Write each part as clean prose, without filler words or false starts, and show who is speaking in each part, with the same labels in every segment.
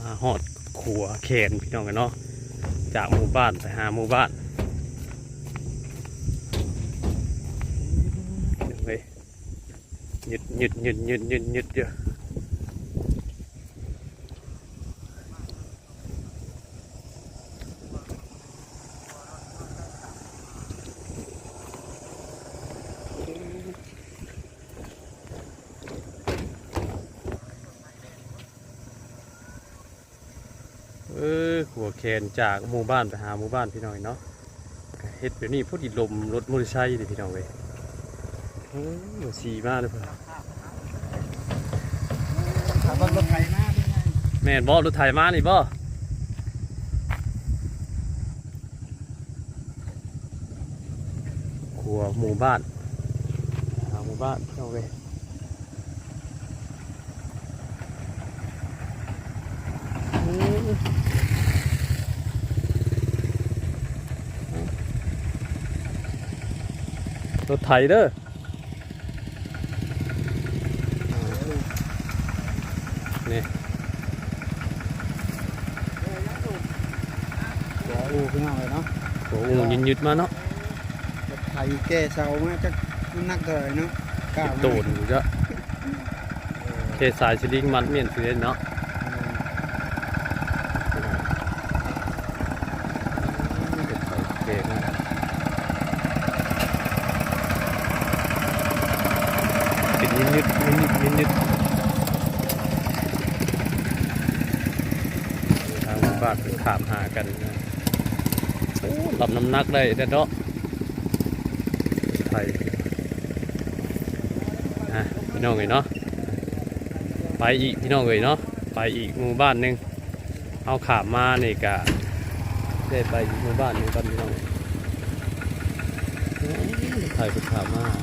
Speaker 1: มาฮอดขัวแขนพี่น้องกันเนาะจากหมู่บ้านไปหาหมู่บ้านเฮ้ยหยุดเยอะหัวแขนจากหมู่บ้านไปหาหมู่บ้านพี่น้องเนาะเฮ็ดแบบนี้พอดีลมรถมอเตอร์ไซค์ดิพี่น้องเลยสีมากเลยเพื่อน
Speaker 2: รถไถมา
Speaker 1: แม่นบ่รถไถมานี่บ่ขัวหมู่บ้านหาหมู่บ้านพี่น้องเลยรถไถเด้อนี่
Speaker 2: หัวอูขึ้นมาเลยเนาะ
Speaker 1: โอ้ยึดมาเนาะ
Speaker 2: รถไถแก่เสามาจะนักเท่าไหร่เนาะ
Speaker 1: โตนอยู่จ้ะเคสายสลิงมัดเมียนเสือเนาะเป็นยึดทางบ้านขามหากันนะรับน้ำหนักได้แต่เนาะไทยพี่น้องเลยเนาะไปอีกพี่น้องเลยเนาะไปอีกหมู่บ้านหนึ่งเอาขามมานี่กะได้ไปอีกหมู่บ้านหนึ่งกันพี่น้องไทยเป็นขามมา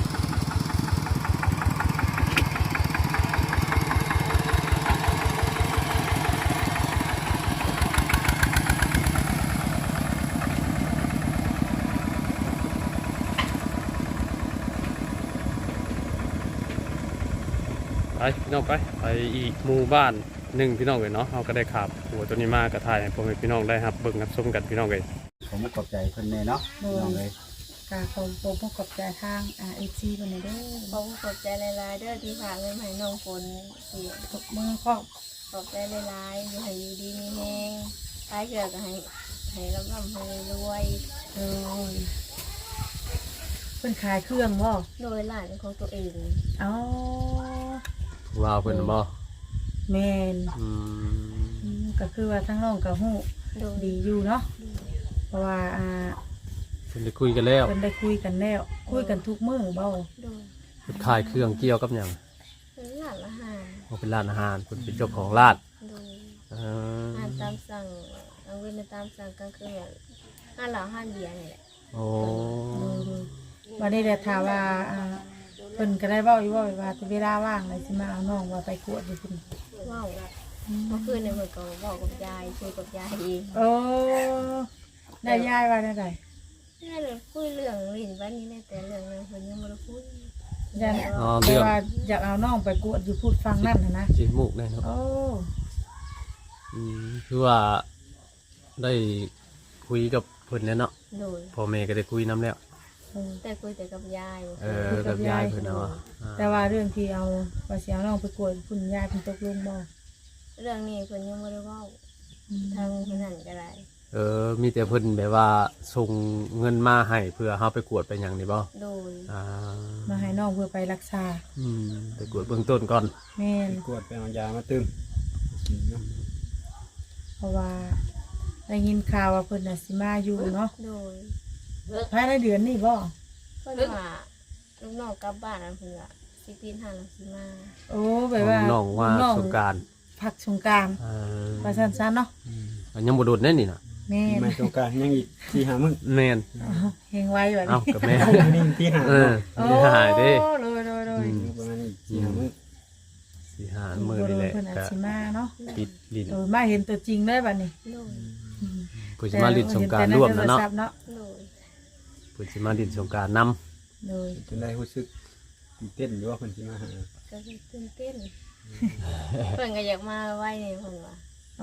Speaker 1: ไปพี่น้องไปอีกหมู่บ้านหนึ่งพี่น้องเลยเนาะเราก็ได้ขับหัวตัวนี้มากระถ่ายให้พ่อแม่พี่น้องได้ครับเบิ่งรับชมกันพี่น้องเลย
Speaker 2: ผมขอบใจคนเลยเนาะพี่น้องเลย
Speaker 3: ผมขอบใจทางRFCคนนี้ด้วย
Speaker 4: ผมขอบใจหลายๆเด้อที่ฝากเงินให้น้องฝนที่
Speaker 3: ทุกมือครอบ
Speaker 4: ขอบใจหลายๆอยู่ให้อยู่ดีมีแรงท้ายเกิดก็ให้ร่ำให้รวย
Speaker 3: เป็นขายเครื่องบ่
Speaker 4: โดยหลานของตัวเอง
Speaker 3: อ๋อ
Speaker 1: ว้าวเพิ่นบ่
Speaker 3: แม่นก็คือว่าทั้งน้องกับฮู้ดีอยู่เนาะเพราะว่า
Speaker 1: เพิ่นได้คุยกันแล้ว
Speaker 3: คุยกันทุกมื้อเบ่
Speaker 1: เพิ่นขายเครื่องเกี่ยวกับหยัง
Speaker 4: เป็นร้านอาหาร
Speaker 1: เป็นร้านอาหารเพิ่นเป็นเจ้าของร้าน
Speaker 4: อาหารตามสั่งเอาเว้นตามสั่งกลางคืนอาหารเหล้าอาหารเบียร์นี่แหละ
Speaker 1: โอ้
Speaker 3: วันนี้ได้ถามว่าเพิ่นก็ได้เว้าอยู่ว่าเวลาว่างเลยสิมาเอาน้องว่าไปกวดอยู่พุ่น
Speaker 4: เว้าเมื่อคืนเนี่ยเพิ่นก็เว้ากับยายคุยกับยายเอง
Speaker 3: โอ้ได้ยายว่าได้ได
Speaker 4: ยายเลยคุยเรื่องลิ้นวันนี้แต่เรื่องนึงเพิ่นยังบ่ได้คุย
Speaker 3: แต่ว่าอยากเอาน้องไปกวดอยู่พูดฟังนั่นนะ
Speaker 1: จิมุกได้เนาะ
Speaker 3: โอ้
Speaker 1: คือว่าได้คุยกับเพิ่นแล้วเนาะพ่อแม่ก็ได้คุยนำแล้ว
Speaker 4: แต่คุยแต่กับยาย
Speaker 1: กับยายเพิ่นเนาะ
Speaker 3: แต่ว่าเรื่องที่เอาว่าสิเอาน้องไปกวดพุ่นยายเพิ่นตกลงบ่
Speaker 4: เรื่องนี้เพิ่นยังบ่ได้เว้าทางเพิ่นนั่นก็ได้
Speaker 1: มีแต่เพิ่นแบบว่าส่งเงินมาให้เพื่อเฮาไปกวดไปหยังนี่บ่
Speaker 4: โดย
Speaker 3: มาให้น้องเพื่อไปรักษา
Speaker 1: ไปกวดเบื้องต้นก่อน
Speaker 3: แม่น
Speaker 2: กวดไปเอายามาตึม
Speaker 3: เพราะว่าได้ยินข่าวว่าเพิ่นน่ะสิมาอยู่เนาะ
Speaker 4: โดย
Speaker 3: ภายในเดือนนี้บ่
Speaker 4: เพิ่นว่าลูกน้องกลับบ้านเพิ่นว่าสิปีนหาหลังสิมา
Speaker 3: โอ้แบบว่า
Speaker 1: น้องว่าสงกรานต์
Speaker 3: พักสงกรานต์ว่าซั่นๆเนาะ
Speaker 1: ยังบ่โดดแน่นี่น่ะ
Speaker 3: แม่น
Speaker 2: สงกรานต์ยังอีก4-5มื้อ
Speaker 1: แม่น
Speaker 3: เฮงไว้บัดนี้
Speaker 1: กับแม่
Speaker 2: นี่ที่หา
Speaker 1: ที่หาเด้
Speaker 3: โดย
Speaker 2: ประมาณ4-5มื้อ
Speaker 1: 4-5มื้อนี่แหละ
Speaker 3: ก็สิมาเนาะ
Speaker 1: ปิดลิ้น
Speaker 3: มาเห็นตัวจริงได้บัดนี้
Speaker 1: เพิ่นสิมาลิ้นสงกรานต์ร่วมเนาะเพิ่นสิมาลิ้นสงกรานต์นำ
Speaker 3: โดย
Speaker 2: จนได้รู้สึกตื่นเต้นอยู่ว่าเพิ่นสิมาหา
Speaker 4: ก็ตื่นเต้นเพิ่นก็อยากมาไว้นี่เพิ่นว่า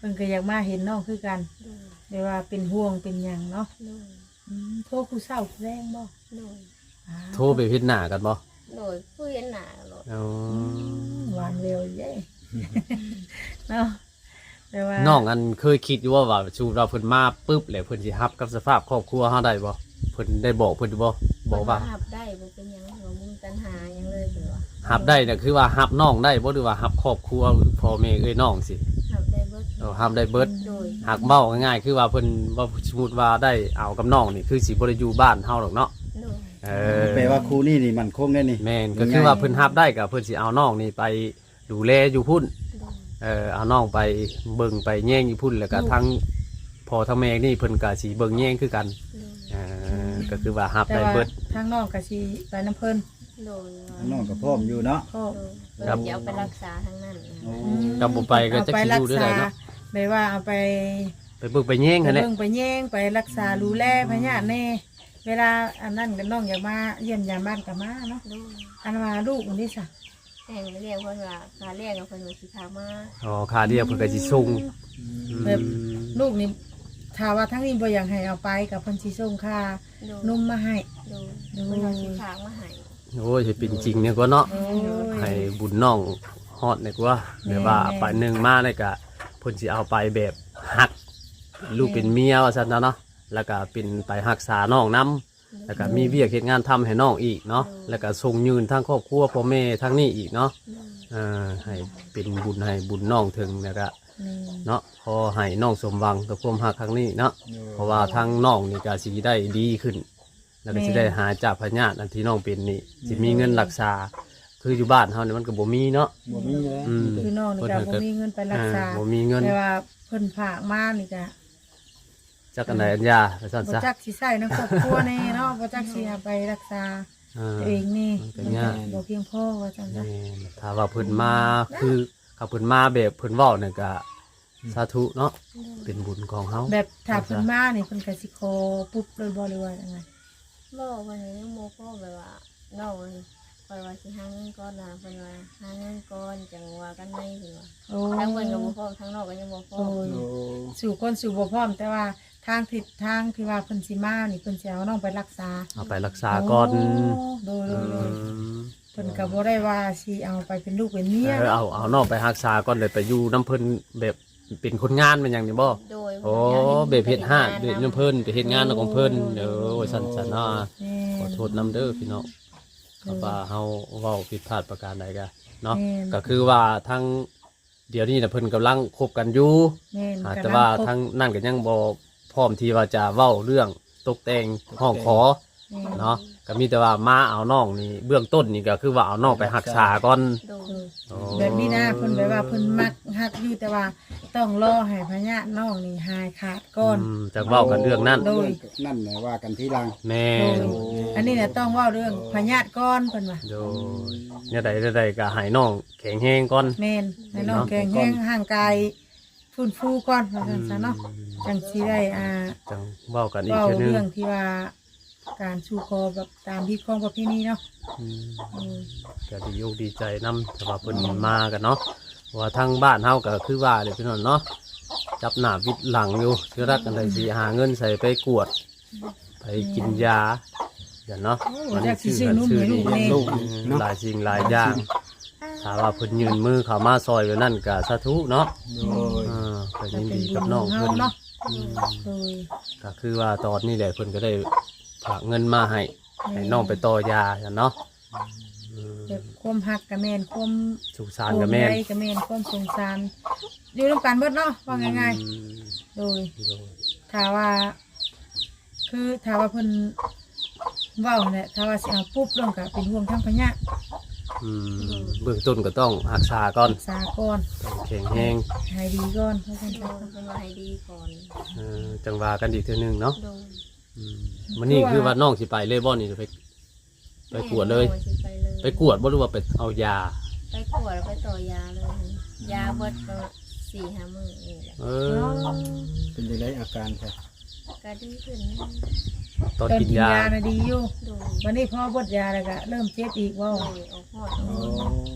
Speaker 3: เพิ่นก็อยากมาเห็นน้องคือกัน
Speaker 4: โดย
Speaker 3: ได้ว่าเป็นห่วงเป็นหยังเนาะ
Speaker 4: โดย
Speaker 3: โทรผู้เฒ่าผู้แรงบ่
Speaker 4: โดย
Speaker 1: โทรไปพิจหน้ากันบ่
Speaker 4: โดยผู้เห็นหน้าโลด
Speaker 1: อ๋อ
Speaker 3: หวานเร็วเย้ เนาะแต่ว่า
Speaker 1: น้องอันเคยคิดอยู่ว่าชูเราเพิ่นมาปุ๊บแล้วเพิ่นสิรับกับสภาพครอบครัวเฮาได้บ่เพิ่นได้บอกเพิ่นบ่บอกว่า
Speaker 4: หับได้บ่เป็นหยังบ่มีปัญหาหยังเลยเพิ่นว่า
Speaker 1: รับได้น่ะคือว่ารับน้องได้บ่หรือว่ารับครอบครัวพ่อแม่เอ้ยน้องสิ
Speaker 4: หับได้เบิด
Speaker 1: รับได้เบิด
Speaker 4: โดย
Speaker 1: หากเว้าง่ายๆคือว่าเพิ่นว่าสมมุติว่าได้เอากับน้องนี่คือสิบ่ได้อยู่บ้านเฮาหรอกเนาะ
Speaker 4: โดย
Speaker 2: แปลว่าครูนี่นี่มันคงได้นี่
Speaker 1: แม่นก็คือว่าเพิ่นรับได้ก็เพิ่นสิเอาน้องนี่ไปดูแลอยู่พุ่น
Speaker 4: โดย
Speaker 1: เอาน้องไปเบิ่งไปแย่งอยู่พุ่นแล้วก็ทั้งพ่อทั้งแม่นี่เพิ่นก็สิเบิ่งแย่งคือกัน
Speaker 4: โดย
Speaker 1: ก็คือว่ารับ
Speaker 3: แต่
Speaker 1: ได้
Speaker 3: ว่า
Speaker 1: เบิด
Speaker 3: ทางน้องก็สิไปน้ำเพิ่น
Speaker 4: โดย
Speaker 2: น้องก็พร้อมอยู่เนาะ
Speaker 3: ก็
Speaker 4: โดยเพิ่นจะเอาไปรักษาทั้งนั้น
Speaker 2: โอ้
Speaker 1: กับบ่ไปก็จะสิอยู่ด้วยได้เนาะ
Speaker 3: แบบว่าเอาไป
Speaker 1: ไปเบิ่งไปแย่ง
Speaker 3: ไป
Speaker 1: หั่นแหละ
Speaker 3: เบิ่งไปแย่งไปรักษาดูแลพญาติแน่เวลาอันนั้นก็น้องอยากมาเยี่ยมยามบ้านก็มาเนาะ
Speaker 4: โดย
Speaker 3: อันว่าลูกอันนี้ซะ
Speaker 4: แต่งเรียกเพิ่นว่าการเรียกกับเพิ่นว่าสิพามา
Speaker 1: อ๋อค่าเดียวเพิ่นก็สิส่ง
Speaker 3: แบบลูกนี่ถ้าว่าทั้งนี้บ่อยากให้เอาไปกับเพิ่นสิส่งค่า
Speaker 4: โดย
Speaker 3: นมมาให้
Speaker 4: โดยเพิ่นว่าสิพามาให้
Speaker 1: โอ้ยสิเป็นจริงเนี่ยก็เนาะ
Speaker 3: โอ้ย
Speaker 1: ให้บุญน้องฮอดเนี่ยกว่า
Speaker 3: แม่
Speaker 1: เดี๋ยวว่าไปหนึงมาเนี่ยก็เพิ่นสิเอาไปแบบฮักลูกเป็นเมียว่าซั่นนะเนาะแล้วก็เป็นไปรักษาน้องนํแล้วก็มีเวียกเฮ็ดงานทำให้น้องอีกเนาะแล้วก็ส่งยืนทั้งครอบครัวพ่อแม่ทั้งนี้อีกเนาะ
Speaker 4: โดย
Speaker 1: ให้เป็นบุญให้บุญน้องถึงแล้วก็
Speaker 3: นี่
Speaker 1: เนาะพอให้น้องสมหวังกับความฮักครั้งนี้เนาะเพราะว่าทั้งน้องนี่ก็สิได้ดีขึ้น แล้วก็สิได้หาจากพญาติอันที่น้องเป็นนี่สิมีเงินรักษา คืออยู่บ้านเฮานี่มันก็บ่มีเนาะ
Speaker 2: บ่มีแล้ว
Speaker 1: อืม
Speaker 3: คือน้องนี่ก็บ่มีเงินไปรักษา
Speaker 1: บ่มีเงิน
Speaker 3: แต่ว่าเพิ่นฝากมานี่ก็
Speaker 1: จักอันใดอันยาไปซั่น
Speaker 3: บ่
Speaker 1: ซะ
Speaker 3: จักสิใช้ในครอบครัวแน่เนาะบ่จักสิเอาไปรักษา
Speaker 1: อ่า
Speaker 3: ตัวเองนี่
Speaker 1: มันก็ยาก
Speaker 3: บ่เพียงพอว่าจังซั่น
Speaker 1: แม่นถ้าว่าเพิ่นมาคือเขาเพิ่นมาแบบเพิ่นเว้านี่ก็สาธุเนาะเป็นบุญของเฮา
Speaker 3: แบบถ้าเพิ่นมานี่เพิ่นก็สิขอปุ๊บเลยบ่หรือว่าจังไง
Speaker 4: บอกว่าให้ยังโมพ่อแบบว่าน้องคอยว่าสิหาเงินก่อนนะเพิ่นว่าหาเงินก่อนจังว่ากันในเพิ่นว่า
Speaker 3: โอ้
Speaker 4: ทั้งเพิ่นก็บ่พร้อมทั้งนอกก็ยังบ่พร้อ
Speaker 3: โอ้
Speaker 4: ม
Speaker 3: ย
Speaker 2: โอ้
Speaker 3: สู่คนสู่บ่พร้อมแต่ว่าทางที่ว่าเพิ่นสิมานี่เพิ่นสิเอาน้องไปรักษา
Speaker 1: เอาไปรักษาก่อน
Speaker 3: โดย
Speaker 1: อื
Speaker 3: โดย
Speaker 1: ม
Speaker 3: เพิ่นก็บ่ได้ว่าสิเอาไปเป็นลูกเป็นเมีย
Speaker 1: เอาน้องไปรักษาก่อนเลยไปอยู่น้ำเพิ่นแบบเป็นคนงานเป็นหยังนี่บ่
Speaker 4: โดย
Speaker 1: โอ้เบบเฮ็ดห้าเบบน้ำเพิ่นไปเฮ็ดงานของเพิ่นเด้อว่าซั่นๆเนาะ
Speaker 3: แม่
Speaker 1: ขอโทษนำเด้อพี่น้องก็ว่าเฮาเว้าผิดพลาดประการใดก็เนาะ
Speaker 3: แม่น
Speaker 1: ก็คือว่าทั้งเดี๋ยวนี้น่ะเพิ่นกำลังคบกันอยู่
Speaker 3: แม่น
Speaker 1: แต่ว่าทั้งนั่นก็ยังบ่พร้อมที่ว่าจะเว้าเรื่องตกแต่งห้องขอ
Speaker 3: แม่น
Speaker 1: เนาะก็มีแต่ว่ามาเอาน้องนี่เบื้องต้นนี่ก็คือว่าเอาน้องไปรักษาก่อน
Speaker 4: โดย
Speaker 1: อ๋อ
Speaker 3: แบบนี้นะเพิ่นแบบว่าเพิ่นมักฮักอยู่แต่ว่าต้องรอให้พญาน้องนี่หายขาดก่อน
Speaker 1: จากเว้ากันเรื่องนั้น
Speaker 3: โดย
Speaker 2: นั่นแหละว่ากันทีหลัง
Speaker 1: แม่
Speaker 3: โด
Speaker 1: น
Speaker 3: ยอันนี้เนี่ยต้องเว่าเรื่องพญาก่อนเพิ่นว่า
Speaker 1: โดยเนี่ยใดๆก็ให้น้องแข็งแรงก่อน
Speaker 3: แม่นให้น้องแข็งแรงห่างกายฟื้นฟูก่อนว่าซั่นซะเนาะจังสิได้
Speaker 1: จังเว้ากันอีก
Speaker 3: เว้า
Speaker 1: เทื่อนึง
Speaker 3: เรื่องที่ว่าการสู่คอแบบตามที่ของประเพณีเนาะ
Speaker 1: อืม
Speaker 3: อืม
Speaker 1: ก็ดีอกดีใจนำสำหรับเพิ่นมากันเนาะว่าทางบ้านเฮาก็คือว่าเลยพี่น้องเนาะจับหน้าวิดหลังอยู่คือรักกันได้สิหาเงินใส่ไปกวด ไปกินยาอย่างเนาะ
Speaker 3: ว่าจักสิซื้อนุ่มให้ลูกแน่
Speaker 2: ลูก
Speaker 1: หลายสิ่งหลายอย่างถ้าว่าเพิ่นยืนมือเข้ามาซอยไว้นั่นก็สาธุเนาะ
Speaker 2: โดย
Speaker 1: ก็ยินดีกับน้อง
Speaker 3: เฮา
Speaker 1: เพิ่น
Speaker 3: เนาะโดย
Speaker 1: ก็คือว่าตอนนี้แหละเพิ่นก็ได้ฝากเงินมาให้น้องไปต่อยาอย่างเนาะ
Speaker 3: แบบความฮักกับแม่นความ
Speaker 1: สุขสารกับแม่น
Speaker 3: ห่วงใยกับแม่นความสงสารอยู่ร่วมกันเบิดเนาะว่าง่ายๆโดย
Speaker 1: โดย
Speaker 3: ถ้าว่า คือถ้าว่าเพิ่นเว้าเนี่ยถ้าว่าสิเอาปุ๊บลงก็เป็นห่วงทั้งพญะ
Speaker 1: เบื้องต้นก็ต้องรักษาก่อน
Speaker 3: รักษาก่อน
Speaker 1: ต้องแข็งแรง
Speaker 3: ให้ดีก่อนเพราะฉะ
Speaker 4: โด
Speaker 3: นั้น
Speaker 4: ยเพิ่นว่าให้ดีก่อน
Speaker 1: จังว่ากันอีกเทื่อนึงเนาะ
Speaker 4: โดย
Speaker 1: วันนี้คือว่าน้องสิไปเลยบ่นี่ไปกวดเลย
Speaker 4: แม่สิไปเลย
Speaker 1: ไปกวดบ่หรือว่าไปเอายา
Speaker 4: ไปกวดแล้วไปต่อยาเลย ยาเบิดก็4-5 มื้อนี่แหละ
Speaker 1: เออ
Speaker 2: เป็นจังไดอาการค่ะ
Speaker 4: ก็ดีขึ้น
Speaker 1: ตอน
Speaker 3: ตอน
Speaker 1: กิน
Speaker 3: กิน
Speaker 1: ยาย
Speaker 3: าน่ะดีอยู่
Speaker 4: โดย
Speaker 3: วันนี้พอบดยาแล้วก็เริ่มเจ็บอีกว่า
Speaker 4: โดยออกฮอด
Speaker 2: โอ้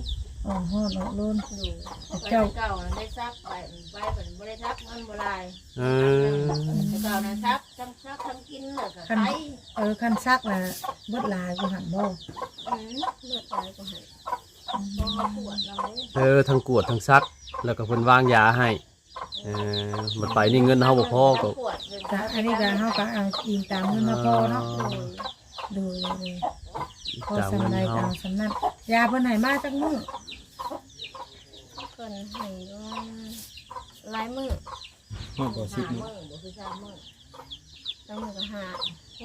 Speaker 3: อ๋อฮอดเนาะโลน
Speaker 4: ดูไป
Speaker 3: เจ้า
Speaker 4: เก่าน่ะได้ซักไปเหมือนบ่ได้ซักมันบ่ลาย
Speaker 1: เออ
Speaker 4: แต่เก่านะซักทั้งกินแล้วก็
Speaker 3: คัน
Speaker 4: ไป
Speaker 3: คันซักน่ะเบิดหลายบ่หันบ่
Speaker 4: เลือดตายก็ให้ต้องมาปวดเราเลย
Speaker 1: เออทั้งกวดทั้งซัก แล้วก็เพิ่นวางยาให้มันไปนี่เงินเฮาบ่พอก็
Speaker 4: ปวดเลย
Speaker 3: ก็อันนี้ก็เฮาก็เอาอิงตามเงินมาพอเนาะดูพอสำไรก็เอาสำนั้นยาเพิ่นให้มาจักมื้อ
Speaker 4: เพิ่นให้ว่าหลายมื้อ
Speaker 2: ฮอดบ่สิ
Speaker 4: 5
Speaker 2: บ
Speaker 4: มื้อบ่คือ3มื้อ3มื้อก็5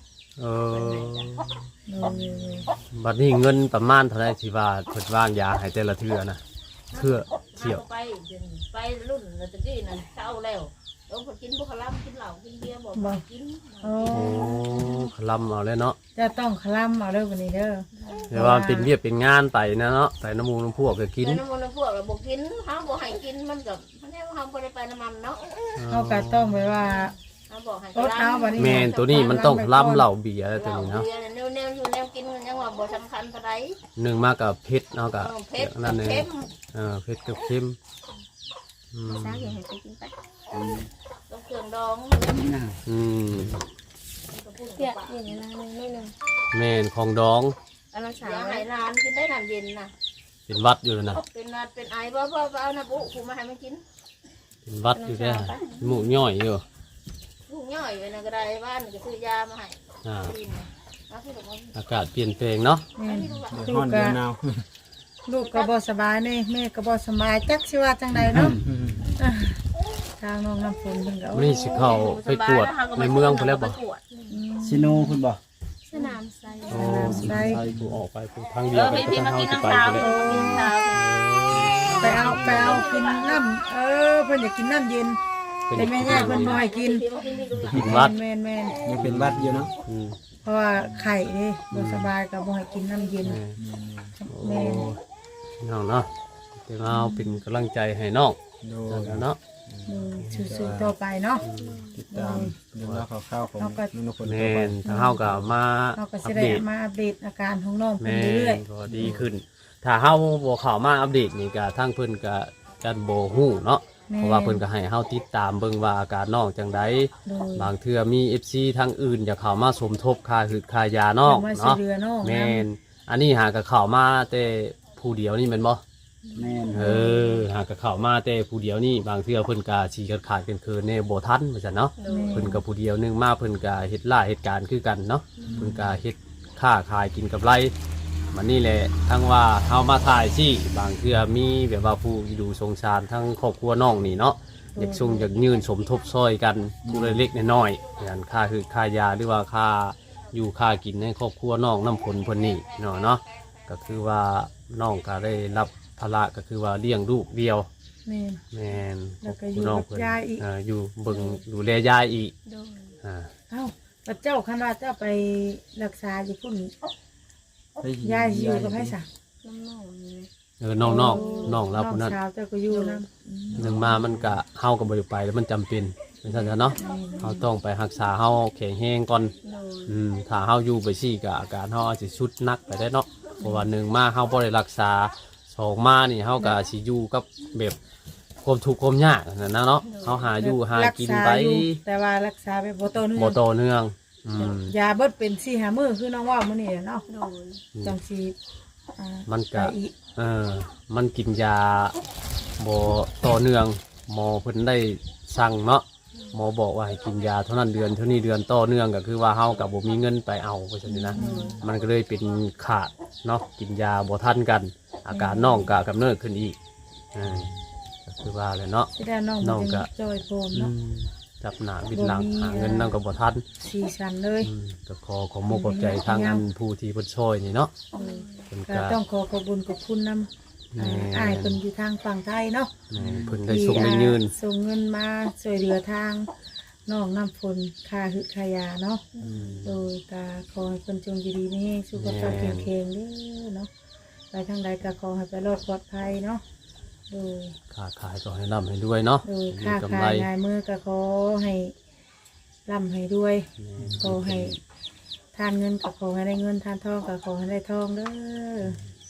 Speaker 4: 6
Speaker 1: เออ
Speaker 3: ดู
Speaker 1: บัดนี้เงินประมาณเท่าไหร่ที่ว่าเพิ่นวางยาให้แต่ละเทื่อนะเทื่อเที่ยว
Speaker 4: ไปจนไปรุ่นแล้วตะกี้นั่นเช้าแล้วต้องไปกินพวกขลับกินเหล้ากินเบียร์บ่ไปกิน
Speaker 3: โอ้
Speaker 1: โอ้คลำเอาเลยเนาะ
Speaker 3: จะต้องคลำเอาเด้อวันนี้เด้อ
Speaker 1: เดี๋ยวว่ามันเป็นเวียกเป็นงานไปนะเนาะไปน้ำมูกน้ำพวกก็กิน
Speaker 4: แล้วน้ำมันพวกเราบ่กินเฮาบ่ให้กินมันก็มันให้เฮาบ่ได้ไปน้ำมันเนาะ
Speaker 3: เฮาก็ต้องไปว่า
Speaker 4: เฮาบอกให้
Speaker 3: อดเอาบัดนี้
Speaker 1: แม่นตัวนี้มันต้องคลำเหล้าเบียร์อะไรตัวนี้เนาะ
Speaker 4: แนวอยู่แนวกินมันยังว่าบ่สำคัญเท่าใด
Speaker 1: หนึ่งมากับเผ็ดเนาะกับ
Speaker 4: เผ็ด
Speaker 1: นั่นเอง
Speaker 4: เค็ม
Speaker 1: เผ็ดกับเค็มอืม
Speaker 4: ซาให้ไปกินไปต้องเครื่องดอง
Speaker 2: น่ะ
Speaker 1: อืม
Speaker 4: เปียกอย่างนี้นะนิดนึง
Speaker 1: แม่นของดอง
Speaker 4: อันนั้นสาวให้ร้านกินได้น้ำเย็นน่ะ
Speaker 1: เป็นวัดอยู่นะ
Speaker 4: เป็นนัดเป็นไอบ่เอาน้ำบุกูมาให้มันกิน
Speaker 1: เป็นวัดอยู่แค่หมูย่อยอยู่
Speaker 4: ลูกย่อยไปนะก็ได้บ้านก็ซื้อยามาให้
Speaker 1: อ่า
Speaker 4: กินแล้วที่บอกว่า
Speaker 1: อากาศเปลี่ยนแปลงเนาะ
Speaker 3: แม่น
Speaker 2: เดี๋ยวฮ้อนเดี๋ยวหนาว
Speaker 3: ลูกก็บ่สบายนี่แม่ก็บ่สบายจักสิว่าจังใดเนาะอ่ะทางน้องน้ำฝนเพิ่นก็
Speaker 1: วันนี้สิเข้าไปกวดในเมืองไปแล้วบ่
Speaker 2: ซิโนเพิ่นบ่
Speaker 4: สนามไซ
Speaker 1: โอ้ใช่กูออกไปกูทางเดียวกันก็ทางเฮาสิไปไปเลย
Speaker 3: ไปเอากินน้ำเพิ่นอยากกินน้ำเย็นแต่แม่ย่าเพิ่นบ่ให้กิน
Speaker 1: กินวัด
Speaker 3: แม่น
Speaker 2: ยังเป็นหวัดอยู่เนาะ
Speaker 1: อืม
Speaker 3: เพราะว่าไข่นี่บ่สบายก็บ่ให้กินน้ำเย็น
Speaker 1: โอ้น้องเนาะเดี๋ยวเอาเป็นกำลังใจให้น้อง
Speaker 2: โด
Speaker 1: เนาะ
Speaker 3: สู้ๆต่อไปเนาะ
Speaker 2: ติดตามเรื่องราวข่าวๆของนุ่นพล
Speaker 1: แม
Speaker 2: ต่อไป
Speaker 1: นถ้าเฮาก็มา
Speaker 3: เราก็
Speaker 1: อั
Speaker 3: จะ
Speaker 1: ป
Speaker 3: ได้
Speaker 1: เดต
Speaker 3: มาอัปเดตอาการของน้อง
Speaker 1: แม
Speaker 3: เพิ่นเรื่อย
Speaker 1: นก็ดีขึ้น ถ้าเฮาบ่เข้ามาอัปเดตนี่ก็ทางเพิ่นก็จันบ่ฮู้เนาะ
Speaker 3: ๆแม่
Speaker 1: เพราะว่าเพิ่นก็ให้เฮาติดตามเบิ่งว่าอาการน้องจังได
Speaker 3: โดย
Speaker 1: บางเทื่อมี FC ทางอื่นอยากเข้ามาสมทบค่าหืดค่ายาน้อง
Speaker 3: มาช่วย
Speaker 1: เนาะ
Speaker 3: เหลือน้อง
Speaker 1: แม่นอันนี้หากก็เข้ามาแต่ผู้เดียวนี่แม่นบ่
Speaker 2: แม่น
Speaker 1: หากก็เข้ามาแต่ผู้เดียวนี่บางเทื่อเพิ่นก็สิขาดๆเกินๆแน่บ่ทันว่าซั่นเนาะ เพิ่นกับผู้เดียวหนึงมาเพิ่นก็เฮ็ดล่าเหตุการณ์คือกันเนาะเพิ่นก็เฮ็ดค้าขายกินกับไรมันนี่แหละทั้งว่าเฮามาถ่ายที่บางเทื่อมีแบบว่าผู้ดูสงสารทั้งครอบครัวน้องนี่เนาะอยากส่งอยากยืนสมทบซอยกันผู้เล็กๆน้อยๆอย่างค่าคือค่ายาหรือว่าค่าอยู่ค่ากินให้ครอบครัวน้องน้ำผลเพิ่นนี่เนาะก็คือว่าน้องก็ได้รับภาระก็คือว่าเลี้ยงลูกเดียว
Speaker 3: แม่น
Speaker 1: แม่น
Speaker 3: แล้วก็อยู่
Speaker 1: น้อง
Speaker 3: กับ
Speaker 1: เพิ่น
Speaker 3: ยายอีก
Speaker 1: อยู่เบิ่งดูแลยายอีก
Speaker 4: โดน
Speaker 1: อ่า
Speaker 3: เอ้าพระเจ้าคันว่าเจ้าไปรักษาอยู่พุ่น
Speaker 2: ไป
Speaker 3: ยายสิอยู่กับไผซะ
Speaker 4: น้องๆนี่
Speaker 1: น้องเราผู้นั้น
Speaker 3: น้องสาวเจ้าก็อยู่นำ
Speaker 1: หนึ่งมามันก็เฮากับ่ได้ไปแล้วมันจำเป็นเป็นซั่นซะเนาะเฮาต้องไปรักษาเฮาแข็งแรงก่อน
Speaker 4: โดน
Speaker 1: ถ้าเฮาอยู่ไปซี่ก็อาการเฮาอาจสิสุดหนักไปได้เนาะเพราะว่าหนึ่งมาเฮาบ่ได้รักษาสองมานี่เฮาก็สิอยู่กับแบบความทุกข์ความยากนั่นนะเนาะเฮาหาอยู่หากินไป
Speaker 3: รัษาอยู่แต่ว่ารักษาไปบ่ต่อเนื่อง
Speaker 1: บ่ต่อเนื่องอืม
Speaker 3: ยาเบิดเป็น4-5มื้อคือน้องว่ามื้อนี้เนาะ
Speaker 4: โดน
Speaker 3: จังสิอ่า
Speaker 1: มันก็
Speaker 3: ไปอีก
Speaker 1: มันกินยาบ่ต่อเนื่องหมอเพิ่นได้สั่งเนาะหมอบอกว่าให้กินยาเท่านั้นเดือนเท่านี้เดือนต่อเนื่องก็คือว่าเฮากับบ่มีเงินไปเอาเพราะฉะนั้นนะมันก็เลยเป็นขาดเนาะกินยาบ่ทันกัน อาการน้องก็กำเนิดขึ้นอีกก็คือว่าเลยเนาะ
Speaker 3: สิได้น้อง
Speaker 1: น้องก็
Speaker 3: จอยโฟม
Speaker 1: อื
Speaker 3: เนาะ
Speaker 1: มจับหน้าบิดหลังหาเงินนั่งก็บ่ทัน
Speaker 3: สีสันเลย
Speaker 1: ก็ขอมกขอบใจทางอันผู้ที่เพิ่นช่วยนี่เนาะเพิ่น
Speaker 3: ก็
Speaker 1: ก็
Speaker 3: ต้องขอขอบคุณกับคุณนำอ้ายเพิ่นอยู่ทางฝั่งไทยเนาะ
Speaker 1: เพิ่นได้ส่งได้ยืน
Speaker 3: ส่งเงินมาช่วยเหลือทางน้องน้ำฝนค่าหึค่ายาเนาะโดยก็ขอให้เพิ่นจงอยู่ดีมีสุขภาพแข็งแรงเด้อเนาะไปทางใดก็ขอให้ไปรอดปลอดภัยเนาะโดย
Speaker 1: ค้าขายก็ให้ร่ำให้ด้วยเนาะ
Speaker 3: โดย
Speaker 1: มี
Speaker 3: ค่าก
Speaker 1: ำไร
Speaker 3: ขายงายมือก็ขอให้ร่ำให้ด้วยขอให้ทานเงินก็ขอให้ได้เงินทานทองก็ขอให้ได้ทองเด้อ
Speaker 1: สิ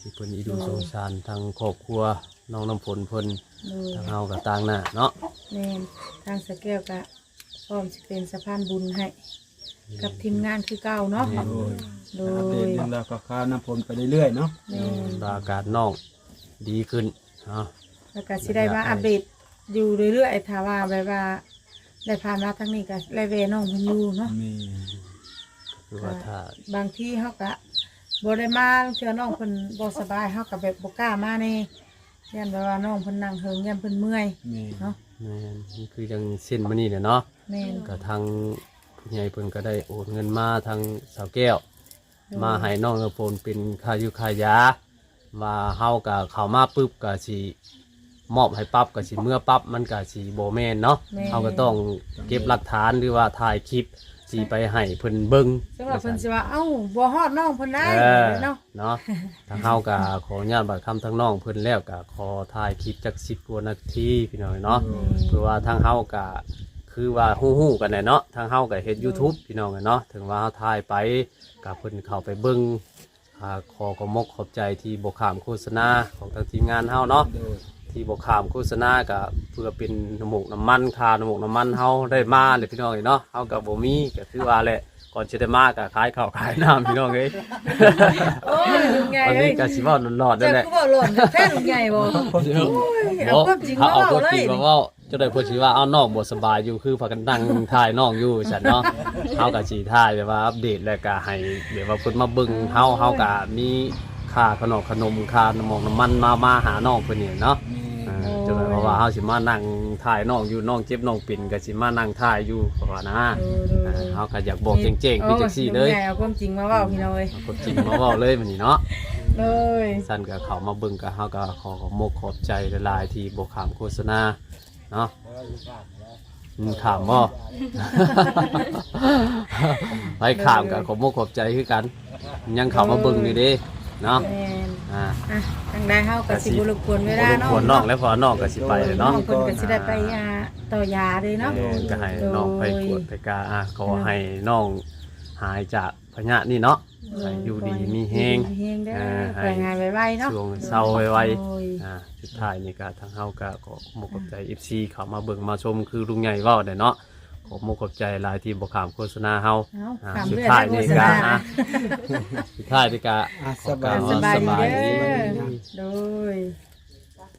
Speaker 1: ที่เพิ่นอีดูสงสารทางครอบครัวน้องน้ำฝนเพิ่น
Speaker 3: โดย
Speaker 1: ทางเฮาก็ต่างหน้าเนาะ
Speaker 3: แม่นทางสะแก้วก็พร้อมสิเป็นสะพานบุญให้กับทีมงานคือเก่าเนาะ
Speaker 2: โดย
Speaker 3: โด
Speaker 2: อัปเด
Speaker 3: ย
Speaker 2: ตเรื่องราวข่าวๆน้ำฝนไปเรื่อยๆเนาะ
Speaker 3: แม่น
Speaker 1: อาการน้องดีขึ้นเนาะ
Speaker 3: แล้วก็สิได้มาอัปเดตอยู่เรื่อยๆถ้าว่าแบบว่าได้ผ่านมาทางนี้ก็ไล่เวน้องเพิ่นอยู่เนาะ
Speaker 2: มี
Speaker 1: คือว่าถ้า
Speaker 3: บางที่เฮาก็บ่ได้มาเทื่อน้องเพิ่นบ่สบายเฮาก็แบบบ่กล้ามานี่ยันแบบว่าน้องเพิ่นนั่งเฮิงยันเพิ่นเมื่อย
Speaker 2: มี
Speaker 3: เนาะ
Speaker 1: แม่นนี่คือจังเส้นมานี่เนี่ยเนาะ
Speaker 3: แม่น
Speaker 1: ก็ทางผู้ใหญ่เพิ่นก็ได้โอนเงินมาทางสาวแก้ว มาให้น้องน้ำฝนเป็นค่ายุค่ายาว่าเฮาก็เข้ามาปุ๊บก็สิมอบให้ปั๊บก็สิเมื่อปั๊บมันก็สิบ่แม่นเนาะเฮาก็ต้องเก็บหลักฐานหรือว่าถ่ายคลิปสิไปให้เพิ่นเบิ่ง
Speaker 3: สำหรับเพิ่นสิว่าเอ้าบ่ฮอดน้องเพิ่นได้
Speaker 1: เนาะ
Speaker 3: เนาะ
Speaker 1: ทางเฮาก็ขออนุญาตบัดคำทางน้องเพิ่นแล้วก็ขอถ่ายคลิปจัก10กว่านาทีพี่น้องเนาะเพื่อว่าทางเฮาก็คือว่าฮู้ๆกันแหละเนาะทางเฮาก็เฮ็ด YouTube พี่น้องเนาะถึงว่าเฮาถ่ายไปก็เพิ่นเข้าไปเบิ่งขอขอบมกขอบใจที่บ่ข้ามโฆษณาของทางทีมงานเฮาเนาะ
Speaker 2: โดย
Speaker 1: ที่บ่ข้ามโฆษณาก็เพื่อเป็นน้ำมูกน้ำมันค่าน้ำมูกน้ำมันเฮาได้มาเลยพี่น้องเนาะเฮาก็บ่มีก็คือว่าแหละก่อนจะได้มาก็ขายข้าวขายน้ำพี่น้องเอ้ย
Speaker 3: โอ้ยลุงใหญ่
Speaker 1: วัน
Speaker 3: เอ้
Speaker 1: นี้
Speaker 3: ย
Speaker 1: ก็สิเว้าหลอดๆนั่
Speaker 3: เจ้าน
Speaker 1: แหละ
Speaker 3: ก็บ่หล่นแท้ลุงใหญ่บ่โอ้ยเอาความจริงมา
Speaker 1: เอา
Speaker 3: เว้า
Speaker 1: ความ
Speaker 3: เล
Speaker 1: จริ
Speaker 3: ย
Speaker 1: งมาเว้าจะได้เพิ่นสิว่าเอาน้องบ่สบายอยู่คือพากันนั่งถ่ายน้องอยู่ฉันเนาะเฮาก็สิถ่ายแบบว่าอัปเดตแล้วก็ให้แบบว่าเพิ่นมาเบิ่งเฮาก็มีค่าขนมค่าน้ำมันมาหาน้องเพิ่นนี่เนาะ
Speaker 2: มี
Speaker 1: จนเพราะว่าเฮาสิมานั่งถ่ายน้องอยู่น้องเจ็บน้องปิ่นก็สิมานั่งถ่ายอยู่เพราะว่านะเฮาก็อยากบอกเจ๋งๆคือจังซี่เลย
Speaker 3: ลุงใหญ่เอาความจริงมาเว้าพี่น้องเอ้ย
Speaker 1: เอาความจริงมาเว้าเลยมื้อนี้เนาะ
Speaker 3: เลย
Speaker 1: สั่นก็เข้ามาเบิ่งก็เฮาก็ขอขอบใจหลายๆที่บ่ข้ามโฆษณาเนาะข้ามบ่ ไปข้ามก็ขอบใจคือกัน ยังเข้ามาเบิ่งอยู่เด้เนาะ
Speaker 3: แม่น
Speaker 1: อ่า
Speaker 3: อ่ะทางใดเฮาก็สิบ่รบกวนเวลาเนาะ
Speaker 1: ควรน้องแล้วพอน้องก็สิไปเลย
Speaker 3: น้อ
Speaker 1: เนาะ
Speaker 3: งเพิ่นก็สิได้ไปต่อยาเลยเนาะ
Speaker 1: ก็ให้น้องไปกวดไปกาขอให้น้องหายจากพยาธินี่เนาะให้อยู่ดีมีแฮง
Speaker 3: มีแฮงได้
Speaker 1: ให้
Speaker 3: ไปงานไวๆเนาะ
Speaker 1: ช่วงเศร้าไว
Speaker 3: โอ้ย
Speaker 1: ๆสุดท้ายนี่ก็ทางเฮาก็ขอมกขอบใจ FC เข้ามาเบิ่งมาชมคือลุงใหญ่เว้าได้เนาะขอมกขอบใจหลายที่บ่ข้ามโฆษณาเฮา
Speaker 3: เอา
Speaker 1: สุ
Speaker 3: ขำ
Speaker 1: ด
Speaker 3: เรื่อย
Speaker 1: ท้าย
Speaker 3: ได้โฆ
Speaker 1: นี่
Speaker 3: ษ
Speaker 1: ก็
Speaker 3: ณา
Speaker 1: สุดท้ายนี่ก็
Speaker 2: อ่ะ
Speaker 1: ขอกล่าว
Speaker 3: ส
Speaker 1: ว่า
Speaker 3: บาย
Speaker 1: ส
Speaker 3: ดี
Speaker 1: บาย
Speaker 3: เด้
Speaker 1: ดี
Speaker 3: อโดย